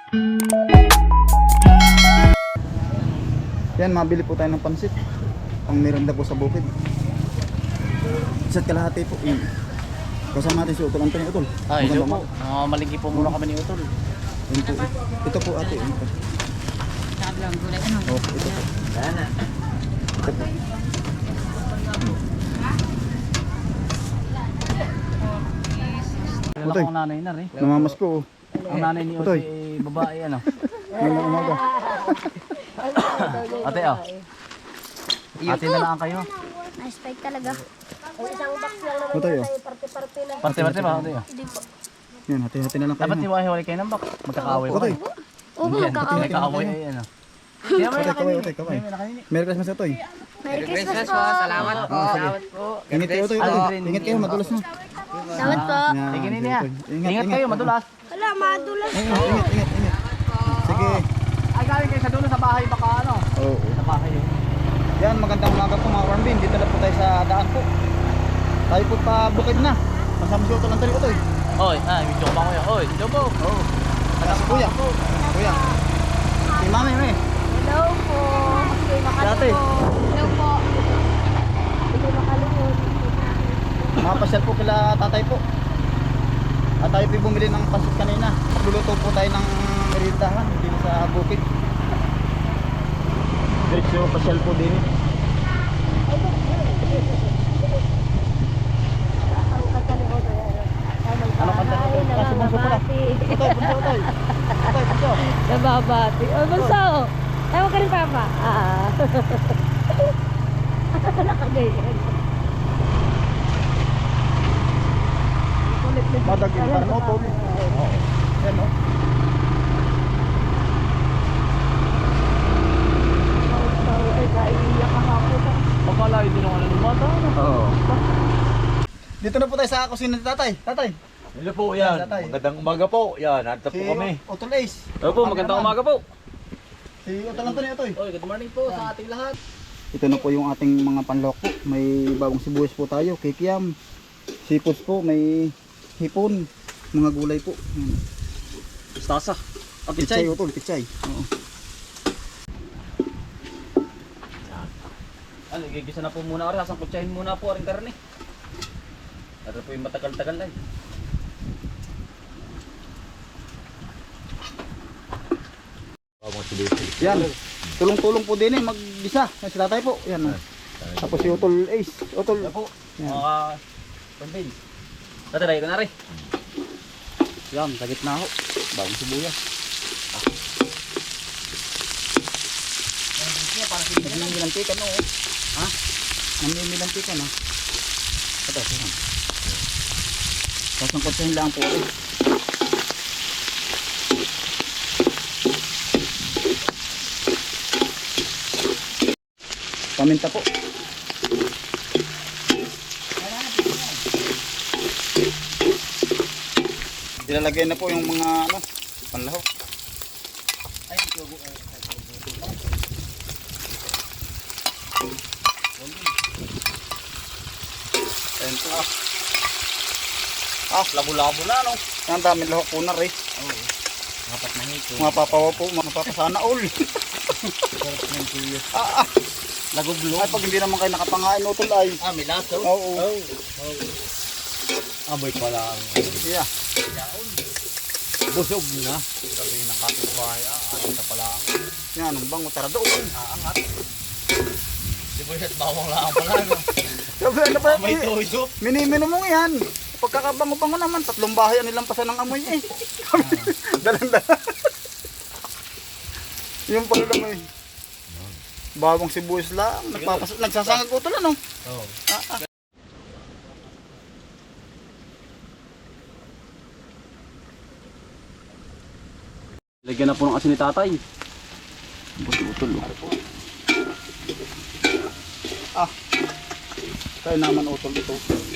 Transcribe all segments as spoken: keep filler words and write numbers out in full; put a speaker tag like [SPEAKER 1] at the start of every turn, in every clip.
[SPEAKER 1] Yan, mabili po tayo ng pansit. Ang merenda po sa bukid. Isa't kalahati po. Yan. Kasama natin si Utol Antonio Utol.
[SPEAKER 2] Ay, hello
[SPEAKER 1] Magandang
[SPEAKER 2] po. Uh, malingki po muna kami ni Utol.
[SPEAKER 1] Yan po. Ito po ate. Ito. Oh, ito po. Ito po.
[SPEAKER 2] Kilala
[SPEAKER 1] Utoy.
[SPEAKER 2] ko ang nanay na rin.
[SPEAKER 1] Namamas ko. Oh.
[SPEAKER 2] Ang nanay ni
[SPEAKER 1] Utoy.
[SPEAKER 2] Utoy ay babae ano.
[SPEAKER 1] Ngayon na umaga.
[SPEAKER 2] Ate ah. Ate na lang kayo.
[SPEAKER 3] Nice bike talaga.
[SPEAKER 4] Isang box lang naman
[SPEAKER 1] Utoy, oh.
[SPEAKER 4] tayo, parte-parte na.
[SPEAKER 2] Parte-parte ba? Ate ah.
[SPEAKER 3] Hindi po.
[SPEAKER 1] Yan, hati-hati na lang kayo.
[SPEAKER 2] Dapat
[SPEAKER 1] ha?
[SPEAKER 2] hiwa-hiwalay kayo ng bak. Magkakaaway pa
[SPEAKER 1] Utoy.
[SPEAKER 2] kayo.
[SPEAKER 3] Oo,
[SPEAKER 2] Yan,
[SPEAKER 3] magkakawin.
[SPEAKER 2] magkakaaway ay ano. Kaya may
[SPEAKER 1] Utoy, kaway, Utoy, kaway. Merry Christmas, Utoy.
[SPEAKER 3] Merry Christmas po.
[SPEAKER 5] Salamat po. Salamat po.
[SPEAKER 1] Ingat kayo, Utoy. Utoy. Ingat kayo, madulas na.
[SPEAKER 3] Salamat po.
[SPEAKER 1] Yan,
[SPEAKER 2] Sige nini ha.
[SPEAKER 1] Ingat,
[SPEAKER 2] Ingat kayo, madulas.
[SPEAKER 4] Wala, madulas.
[SPEAKER 1] Ingat, ingat, ingat, ingat. Sige.
[SPEAKER 2] Ay galing kayo sa dulo sa bahay baka ano.
[SPEAKER 1] Oo.
[SPEAKER 2] Sa bahay yun.
[SPEAKER 1] Yan, magandang umaga po mga Warmbin. Dito na po tayo sa daan po. Tayo po pa bukid na. Kasama si Utol Antonio Utoy.
[SPEAKER 2] Oy, ah, video ba ko yun? Oy, video po.
[SPEAKER 1] Oo. Kasi kuya. Kuya. Si mami, may.
[SPEAKER 4] Hello po. Hindi
[SPEAKER 1] Dati.
[SPEAKER 4] Hello po. Hindi makalimot.
[SPEAKER 1] Makapasyal po kila tatay po. At tayo po bumili ng pasit kanina. Luluto po tayo ng merindahan dito sa bukid. Diretso pasyal po din. Ano kanta nito? Kasi bunso po na. Utay, bunso, utay. Utay, bunso.
[SPEAKER 4] Nababati. Oh, bunso. Ewan ka rin, Papa. Ah. Nakagayan.
[SPEAKER 1] Madaging parang utol. Yan o.
[SPEAKER 2] Pagkala hindi nung ano ng bata.
[SPEAKER 1] Oo. Dito na po tayo sa kusina ni tatay. Tatay.
[SPEAKER 5] Hello po yan.
[SPEAKER 1] Tatay.
[SPEAKER 5] Magandang umaga po. Yan, nandito po kami.
[SPEAKER 1] Utol Ace.
[SPEAKER 2] Hello po, magandang umaga po.
[SPEAKER 1] Si Utol Antonio Utoy.
[SPEAKER 2] Oy, good morning po sa ating lahat.
[SPEAKER 1] Ito na po yung ating mga panlok po. May bagong sibuyas po tayo, kikiam, seafoods po, may hipon, mga gulay po. Yan.
[SPEAKER 2] Stasa. At
[SPEAKER 1] Pichay Utol, pichay. Oo.
[SPEAKER 2] Ano, igigisa na po muna rin. Asang kutsahin muna po rin karne. Ito po yung matagal-tagal lang.
[SPEAKER 1] Yan. Tulong-tulong po din eh, mag-gisa. Yan si tatay po. Yan. oh. Tapos si Utol Ace. Utol.
[SPEAKER 2] Yan po.
[SPEAKER 1] Yan.
[SPEAKER 2] Mga pambin. Tatay, ko na rin. Yan, sa gitna ho. Bagong sibuyas.
[SPEAKER 1] Namimilantikan o. Ha? Namimilantikan o. Ito, ito. Tapos ang kutsahin lang po. Eh. Paminta po. Ilalagay na po yung mga ano, panlahok. Ay, tubo. Ayan po ah. Ah, labo-labo na no. Ang daming lahok po na rin.
[SPEAKER 2] Oo. Dapat na hito.
[SPEAKER 1] Mga papawa po, mga papasana all.
[SPEAKER 2] Sarap ng tuyo.
[SPEAKER 1] ah, ah.
[SPEAKER 2] Lagoblog.
[SPEAKER 1] Ay, pag hindi naman kayo nakapangain utol ay.
[SPEAKER 2] Ah, may laso?
[SPEAKER 1] Oo.
[SPEAKER 2] Oh. Oh. Aboy pala ang
[SPEAKER 1] Yeah.
[SPEAKER 2] busog na. Sabi ng kapitbahay, ah, ano na pala ang
[SPEAKER 1] Yan, ang bango tara doon.
[SPEAKER 2] aangat. Di ba yun, bawang lang pala, no?
[SPEAKER 1] Sabi, ano pa?
[SPEAKER 2] May tuyo.
[SPEAKER 1] Minimino mo yan. Pagkakabango-bango naman, tatlong bahay ang nilampasan ng amoy eh. Dalang-dala. Yung pala naman eh. Bawang sibuyas lang. Nagpapas nagsasangag utol ano?
[SPEAKER 2] Oo.
[SPEAKER 1] Ah, ah.
[SPEAKER 2] Lagyan na po ng asin ni tatay.
[SPEAKER 1] Utol oh. Ah. Kaya naman utol ito.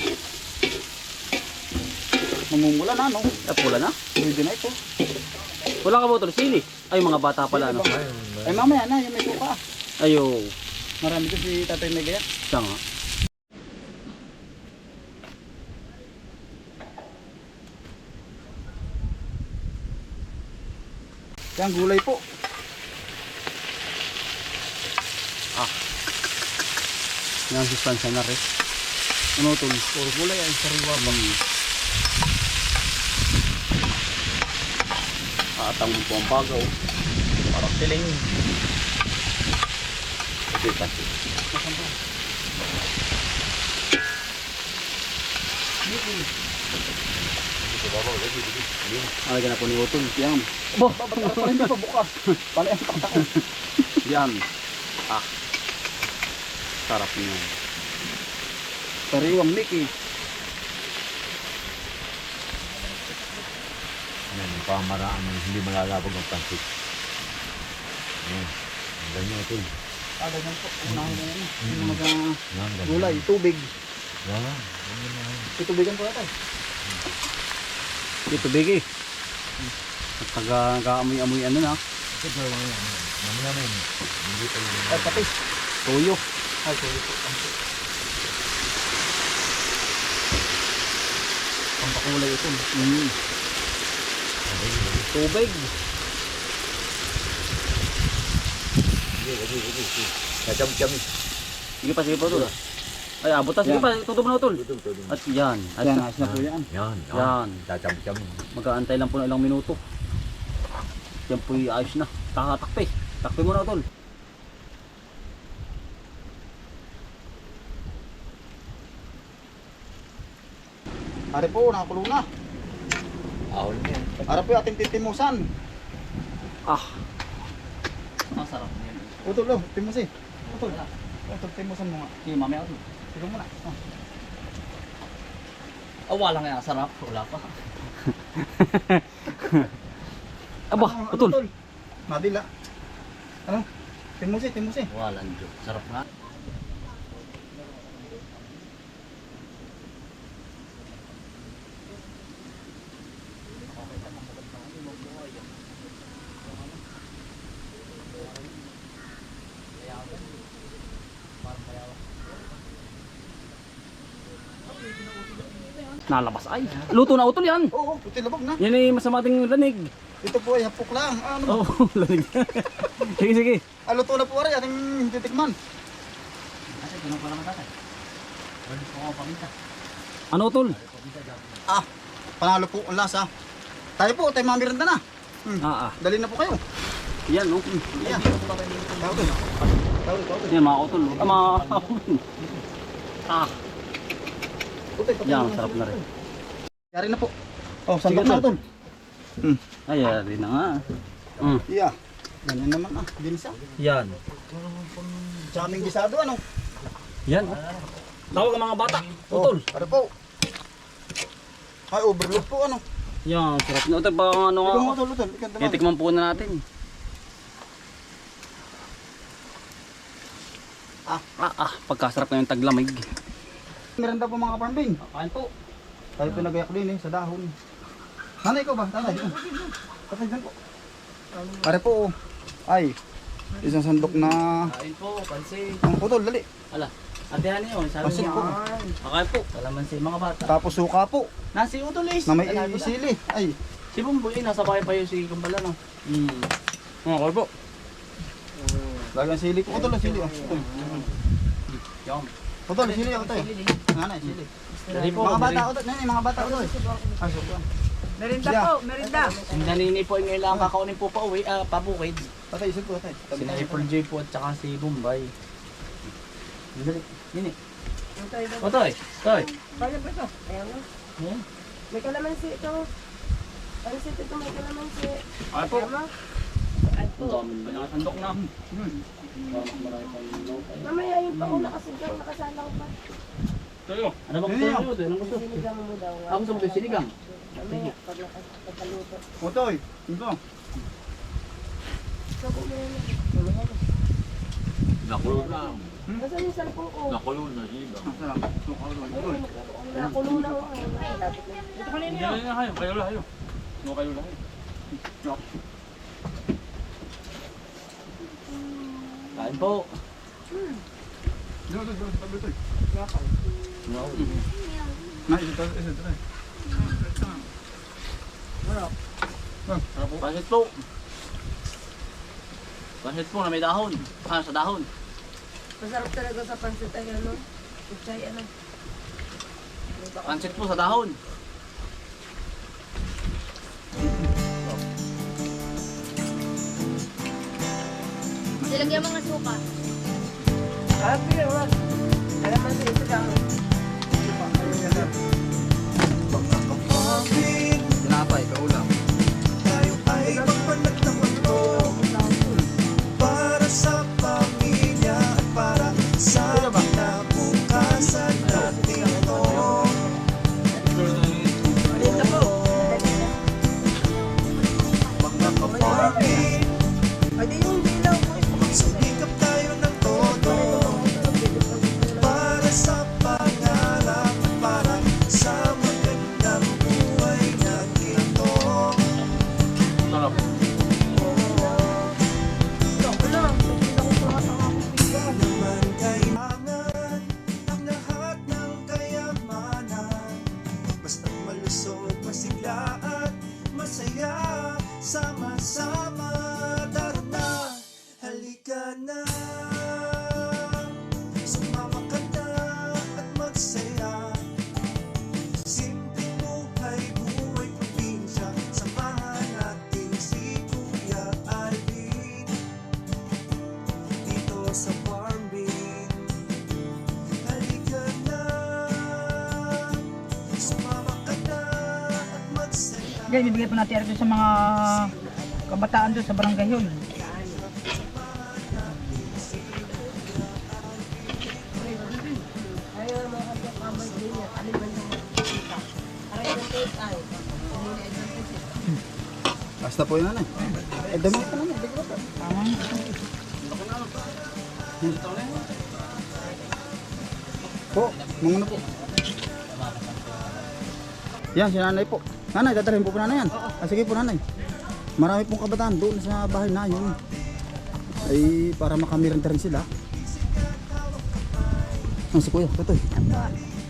[SPEAKER 1] Mamumula na no?
[SPEAKER 2] Ah, pula na?
[SPEAKER 1] Pwede na ito.
[SPEAKER 2] Wala ka ba ito? Sili? Ay, mga bata pala, no?
[SPEAKER 1] Ay mamaya na, yung may suka.
[SPEAKER 2] Ayo.
[SPEAKER 1] Marami ko si Tatay Megaya.
[SPEAKER 2] Siya nga.
[SPEAKER 1] Yan, gulay po.
[SPEAKER 2] Yan, sustansya na rin. Ano ito? Puro gulay ay sariwa bang. Atang po ang bagaw. Parang tiling. Ito yung kasi. Alagyan na po ni Utol. Yan.
[SPEAKER 1] Bah, parang hindi pa bukas. Palay ang taktak ko.
[SPEAKER 2] Yan. Ah. Sarap niya.
[SPEAKER 1] Sariwang Mickey.
[SPEAKER 5] Yan, yung pamaraan ng hindi malalabog ang pansit. Yan. Ang ganyan ito.
[SPEAKER 1] Ah, ganyan po. Unahin na yan.
[SPEAKER 5] Mm.
[SPEAKER 1] Yung mga
[SPEAKER 5] Yan, ganyan.
[SPEAKER 1] gulay, tubig.
[SPEAKER 5] Yan. Ganyan na.
[SPEAKER 1] Itubigan po natin.
[SPEAKER 2] Ito bigi. At taga nag-aamoy-amoy ano na.
[SPEAKER 5] Ito ba yung yan? Mamaya na yun. Hindi pa yun.
[SPEAKER 1] Ay, patis.
[SPEAKER 2] Tuyo.
[SPEAKER 1] Ay, sorry po. Pampakulay ito.
[SPEAKER 2] Mm. Tubig.
[SPEAKER 5] Sige, sige, sige, sige. Kacam-cam.
[SPEAKER 2] Sige pa, sige pa Utol. Ay, abot na. Sige
[SPEAKER 1] Yan.
[SPEAKER 2] pa, tutubo na Utol.
[SPEAKER 5] Tutol, tutol.
[SPEAKER 2] At yan. At
[SPEAKER 1] Yan, ayos na po yan.
[SPEAKER 5] Yan,
[SPEAKER 2] Yan.
[SPEAKER 5] Kacam-cam.
[SPEAKER 2] mag-aantay lang po ng ilang minuto. Yan po yung ayos na. Takatakpe. Takpe mo na Utol.
[SPEAKER 1] Ari po, nakakulo na.
[SPEAKER 5] Ahol niya.
[SPEAKER 1] Ari po yung ating titimusan.
[SPEAKER 2] Ah. Masarap yan.
[SPEAKER 1] Utol, oh, timusin. Utol. Utol, timusan mo nga.
[SPEAKER 2] Sige, mamaya Utol.
[SPEAKER 1] Sige muna. Oh.
[SPEAKER 2] Ah, wala nga sarap. Wala pa. Aba,
[SPEAKER 1] Ano,
[SPEAKER 2] Utol.
[SPEAKER 1] Utol? Madila. Ano? Timusin, timusin.
[SPEAKER 2] Walang Diyos. Sarap nga. Nalabas ay. Luto na Utol yan.
[SPEAKER 1] Oo, puti labog na.
[SPEAKER 2] Yan ay masama ating lanig.
[SPEAKER 1] Ito po ay hapok lang. Ano ba?
[SPEAKER 2] Oo, lanig. Sige, sige.
[SPEAKER 1] Ah, luto na po ari, ating titikman.
[SPEAKER 2] Ano Utol?
[SPEAKER 1] Ah, panalo po ang lasa. Tayo po, tayo mamiranda na. Hmm.
[SPEAKER 2] Ah, ah.
[SPEAKER 1] Dali na po kayo.
[SPEAKER 2] Yan, no?
[SPEAKER 1] Yan. Tawag doon. Tawag doon.
[SPEAKER 2] Yan, mga Utol. Ah, mga Ah,
[SPEAKER 1] Puti, puti.
[SPEAKER 2] yan, sarap na rin.
[SPEAKER 1] Yari na po. Oh, sandok
[SPEAKER 2] Sige,
[SPEAKER 1] na
[SPEAKER 2] Tol.
[SPEAKER 1] Tol. Hmm.
[SPEAKER 2] Ay, yari na nga. Mm.
[SPEAKER 1] Yeah. Ganyan naman ah, ginisa.
[SPEAKER 2] Yan.
[SPEAKER 1] Daming gisado ano?
[SPEAKER 2] Yan. Tawag ang mga bata. Utol.
[SPEAKER 1] Oh, ano po? Ay, overload po ano?
[SPEAKER 2] Yan, sarap na. Utol, baka ano
[SPEAKER 1] Ikaw mo
[SPEAKER 2] nga.
[SPEAKER 1] Tol, Tol. Ikaw naman.
[SPEAKER 2] Titikman po na natin.
[SPEAKER 1] Ah.
[SPEAKER 2] Ah, ah. Pagkasarap na yung taglamig.
[SPEAKER 1] Merenda po mga parmbing.
[SPEAKER 2] Kain po.
[SPEAKER 1] Tayo pinagayak din eh, sa dahon. Nanay ko ba? Nanay. Patay dyan po. Pare po. Ay, isang sandok na...
[SPEAKER 2] Kain po, pansin.
[SPEAKER 1] Ang putol, dali.
[SPEAKER 2] Ala, atehan niyo. Sabi
[SPEAKER 1] Pansin
[SPEAKER 2] niya.
[SPEAKER 1] po.
[SPEAKER 2] Kakain po. Kalamansi mga bata.
[SPEAKER 1] Tapos suka po.
[SPEAKER 2] Nasi Utol is.
[SPEAKER 1] Na may
[SPEAKER 2] Alam mo na.
[SPEAKER 1] isili. Ay,
[SPEAKER 2] Si Bumboy, nasa bahay pa yun si Kumbala, no? Hmm. Okay po.
[SPEAKER 1] lagang sili po. Putol, sili. Oh. Putol.
[SPEAKER 2] Yan.
[SPEAKER 1] Putol, sili ako tayo. Nanay, sili.
[SPEAKER 2] Dali po.
[SPEAKER 1] Mga bata ko Nanay, mga bata ko Ay, suka.
[SPEAKER 4] Merinda
[SPEAKER 1] Yeah.
[SPEAKER 4] po, merinda.
[SPEAKER 2] Si Nanini po yung ilang kakaunin po pa uwi, ah, pabukid.
[SPEAKER 1] Patay, isip ko, patay.
[SPEAKER 2] Si April J po at saka si Bombay. Dali. Nini. O toy. Toy.
[SPEAKER 4] Kaya ba ito? Ayan o.
[SPEAKER 2] Yan.
[SPEAKER 4] May kalamansi ito. Pansit ito, may kalamansi.
[SPEAKER 2] Ay po.
[SPEAKER 4] Ayan mo. Ay
[SPEAKER 2] Ang
[SPEAKER 4] po.
[SPEAKER 2] dami ba nakasandok na? Hmm. Marami pang lukay.
[SPEAKER 4] Mamaya yung pauna kasi dyan, nakasalang pa.
[SPEAKER 2] Toyo. Ano ba gusto
[SPEAKER 1] Yan.
[SPEAKER 2] niyo? Ano gusto?
[SPEAKER 4] Sinigang mo daw.
[SPEAKER 2] Ako gusto mo yung sinigang.
[SPEAKER 4] Mamaya, pag nakas- pagkaluto.
[SPEAKER 1] Putoy, ito.
[SPEAKER 4] So, kung meron na.
[SPEAKER 5] Nakulong na.
[SPEAKER 4] Nasaan yung cellphone ko?
[SPEAKER 5] Nakulong na siya.
[SPEAKER 4] Ayun, nakulo na ako. Ay, lapit na. Dito ka
[SPEAKER 2] Hindi na kayo. Kayo lang kayo. No kayo lang. Kain po.
[SPEAKER 1] Dito, dito, dito, dito.
[SPEAKER 2] No.
[SPEAKER 1] Na, ito, ito, ito.
[SPEAKER 2] Pansit po. Pansit po na may dahon. Ah, sa dahon.
[SPEAKER 4] Masarap talaga sa pansit ay ano. Kutsay ano.
[SPEAKER 2] Pansit po sa dahon.
[SPEAKER 3] Nilagyan mga suka.
[SPEAKER 4] Happy, wag. Alam mo sa ito lang.
[SPEAKER 2] Tinapay, kaulam.
[SPEAKER 6] Tayo ay magpanagtaman mo para sa pamilya at para sa kinabukasan natin to. Mga kapatid,
[SPEAKER 4] Ay, di yung dilaw mo.
[SPEAKER 6] magsumikap tayo ng todo para sa pangarap at para sa magandang buhay natin to.
[SPEAKER 2] Sarap.
[SPEAKER 4] Ako lang. Hindi na ko pangat ang akong bigas.
[SPEAKER 6] Naman kailangan ang lahat ng kayamanan. Basta malusog, masigla at masaya. Sama-sama, tara na, halika na. Sumama ka na at magsaya. Simpleng buhay, buhay probinsya. Samahan natin si Kuya Alvin dito sa Farm Bin. Halika na, sumama ka na at magsaya.
[SPEAKER 7] Yan, bibigay po natin ito sa mga kabataan doon sa barangay yun.
[SPEAKER 4] Ayaw mo ka yung kamay din niya. Alin man yung makikita. Aray ng take ay. Hindi na advantage.
[SPEAKER 1] Basta po yun nanay. Eh, dami pa naman. Bigla pa.
[SPEAKER 7] Tama.
[SPEAKER 1] Po, mga ano po. Yan, si nanay po. Nanay, dadalhin po po nanay yan. Ah, sige po nanay. Marami pong kabataan doon sa bahay na yun. Ay, para makamiranda rin sila. Ah, si kuya, tutoy.
[SPEAKER 3] Apo.